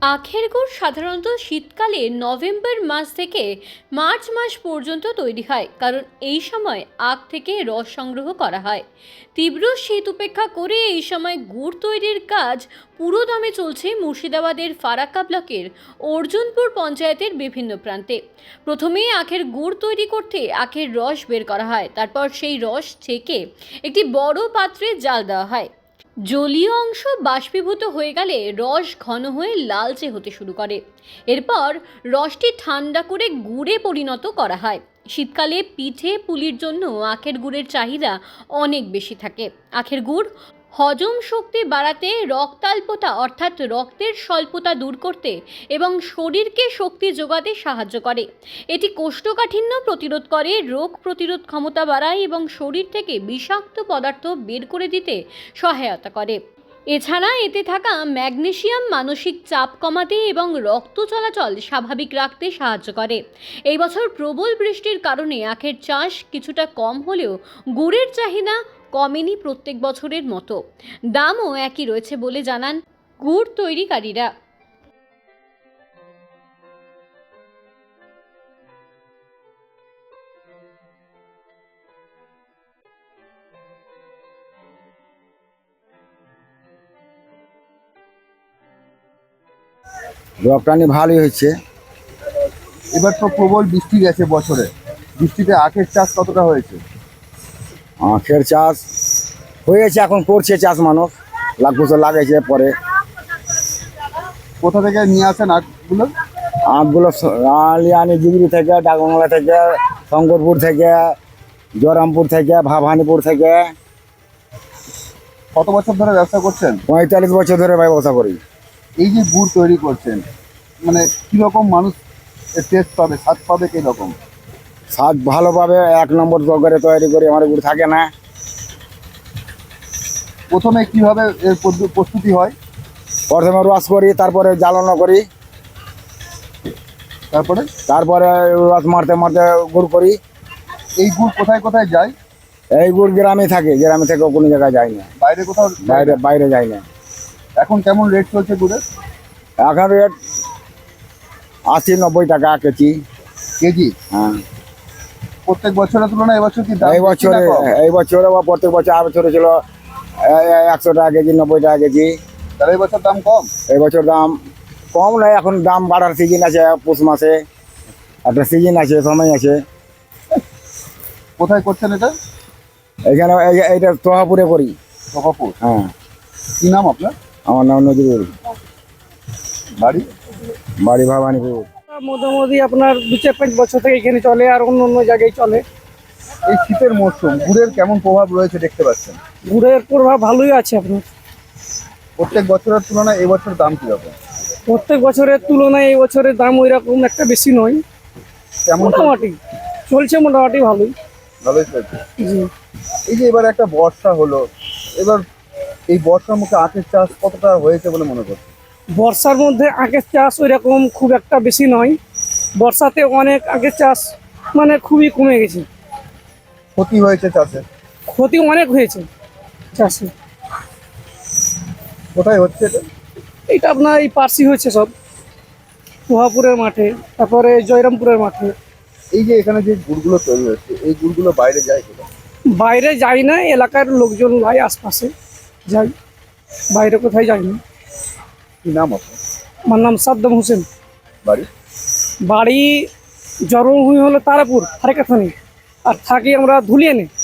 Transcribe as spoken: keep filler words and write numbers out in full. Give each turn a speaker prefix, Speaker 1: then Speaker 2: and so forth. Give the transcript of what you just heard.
Speaker 1: আখের গুড় সাধারণত শীতকালে নভেম্বর মাস থেকে মার্চ মাস পর্যন্ত তৈরি হয়, কারণ এই সময় আখ থেকে রস সংগ্রহ করা হয়। তীব্র শীত উপেক্ষা করে এই সময় গুড় তৈরির কাজ পুরোদমে চলছে মুর্শিদাবাদের ফারাক্কা ব্লকের অর্জুনপুর পঞ্চায়েতের বিভিন্ন প্রান্তে। প্রথমেই আখের গুড় তৈরি করতে আখের রস বের করা হয়, তারপর সেই রস ছেঁকে একটি বড় পাত্রে জাল দেওয়া হয়। জলীয় অংশ বাষ্পীভূত হয়ে গেলে রস ঘন হয়ে লালচে হতে শুরু করে। এরপর রসটি ঠান্ডা করে গুড়ে পরিণত করা হয়। শীতকালে পিঠে পুলির জন্য আখের গুড়ের চাহিদা অনেক বেশি থাকে। আখের গুড় হজম শক্তি বাড়াতে, রক্তাল্পতা অর্থাৎ রক্তের স্বল্পতা দূর করতে এবং শরীরকে শক্তি যোগাতে সাহায্য করে। এটি কোষ্ঠকাঠিন্য প্রতিরোধ করে, রোগ প্রতিরোধ ক্ষমতা বাড়ায় এবং শরীর থেকে বিষাক্ত পদার্থ বের করে দিতে সহায়তা করে। এছাড়া এতে থাকা ম্যাগনেসিয়াম মানসিক চাপ কমাতে এবং রক্ত চলাচল স্বাভাবিক রাখতে সাহায্য করে। এই বছর প্রবল বৃষ্টির কারণে আখের চাষ কিছুটা কম হলেও গুড়ের চাহিদা কমেনি প্রত্যেক বছরের মতো। দামও একই রয়েছে বলে জানান গুড় তৈরিকারীরা।
Speaker 2: রপ্তানি ভালোই হচ্ছে।
Speaker 3: এবার তো প্রবল বৃষ্টি গেছে বছরে, বৃষ্টিতে আখের চাষ কতটা হয়েছে?
Speaker 2: আখের চাষ হয়েছে, এখন করছে চাষ মানুষ, লাখ বছর লাগাইছে। পরে
Speaker 3: কোথা থেকে নিয়ে আসেন আখগুলো?
Speaker 2: আখগুলো আলিয়ানি জিগরি থেকে, ডাকবাংলা থেকে, শঙ্করপুর থেকে, জয়রামপুর থেকে, ভাবানীপুর থেকে।
Speaker 3: কত বছর ধরে ব্যবসা করছেন?
Speaker 2: পঁয়তাল্লিশ বছর ধরে ব্যবসা করি।
Speaker 3: এই যে গুড় তৈরি করছেন, মানে কীরকম মানুষ টেস্ট পাবে, স্বাদ পাবে কীরকম?
Speaker 2: স্বাদ ভালোভাবে এক নম্বর করে তৈরি করি, আমার গুড় থাকে না।
Speaker 3: প্রথমে কিভাবে এর পদ্ধ- প্রস্তুতি হয়?
Speaker 2: প্রথমে রস করি, তারপরে জ্বালানো করি,
Speaker 3: তারপরে
Speaker 2: তারপরে রস মারতে মারতে গুড় করি।
Speaker 3: এই গুড় কোথায় কোথায় যায়?
Speaker 2: এই গুড় গ্রামে থাকে, গ্রামে থেকে কোনো জায়গায় যায় না,
Speaker 3: বাইরে কোথাও যায়
Speaker 2: বাইরে
Speaker 3: না?
Speaker 2: বাইরে যায় না।
Speaker 3: এখন কেমন রেট চলছে গুড়ের?
Speaker 2: এখন রেট আশি নব্বই টাকা কেজি।
Speaker 3: কেজি?
Speaker 2: হ্যাঁ,
Speaker 3: প্রত্যেক বছরের তুলনায় এবছর কি দাম
Speaker 2: এই
Speaker 3: বেশি না
Speaker 2: বছরে
Speaker 3: কম?
Speaker 2: এই বছরে বা প্রত্যেক বছর আর বছরে ছিল একশো টাকা কেজি, নব্বই টাকা কেজি।
Speaker 3: তাহলে এই বছর দাম কম?
Speaker 2: এই বছর দাম কম নয়, এখন দাম বাড়ার সিজন আছে। পৌষ মাসে একটা সিজন আছে, সময় আছে।
Speaker 3: কোথায় করছেন এটা?
Speaker 2: এখানে এই- এইটা তোহাপুরে করি।
Speaker 3: সভাপুর।
Speaker 2: হ্যাঁ,
Speaker 3: কি নাম আপনার?
Speaker 2: আমার নাম নজরুল,
Speaker 3: বাড়ি?
Speaker 2: বাড়ি ভবানীপুর।
Speaker 4: মোটামুটি আপনার দু চার পাঁচ বছর থেকে এখানে চলে, আর অন্য অন্য জায়গায় চলে।
Speaker 3: এই শীতের মরশুম গুড়ের কেমন প্রভাব রয়েছে দেখতে পাচ্ছেন?
Speaker 4: গুড়ের প্রভাব ভালোই আছে আপনার।
Speaker 3: প্রত্যেক বছরের তুলনায় এবছর দাম কীরকম?
Speaker 4: প্রত্যেক বছরের তুলনায় এই বছরের দাম ওই রকম একটা বেশি নয়,
Speaker 3: কেমন
Speaker 4: মোটামুটি চলছে, মোটামুটি ভালোই।
Speaker 3: ভালোই চলছে।
Speaker 4: জি।
Speaker 3: এই যে এবার একটা বর্ষা হলো, এবার এই বর্ষার মুখে আখের চাষ কতটা হয়েছে বলে মনে করছে?
Speaker 4: বর্ষার মধ্যে আখের চাষ ওই রকম খুব একটা বেশি নয়। বর্ষাতে অনেক আখের চাষ মানে খুবই কমে গেছে,
Speaker 3: ক্ষতি হয়েছে চাষে?
Speaker 4: ক্ষতি অনেক হয়েছে চাষে।
Speaker 3: কোথায় হচ্ছে এটা?
Speaker 4: এটা আপনার এই পার্সি হয়েছে সব, পোহাপুরের মাঠে, তারপরে জয়রামপুরের মাঠে।
Speaker 3: এই যে এখানে যে গুড়গুলো তৈরি হচ্ছে, এই গুড়গুলো বাইরে যায় কোথায়?
Speaker 4: বাইরে যাই না, এলাকার লোকজন ভাই আশপাশে যাই, বাইরে কোথায় যাই না।
Speaker 3: কি নাম আপনার?
Speaker 4: আমার নাম সাদ্দাম হোসেন।
Speaker 3: বাড়ি?
Speaker 4: বাড়ি জন্মভূমি হলো তারাপুর, ফারাক্কা থানা, আর থাকি আমরা ধুলিয়ানে।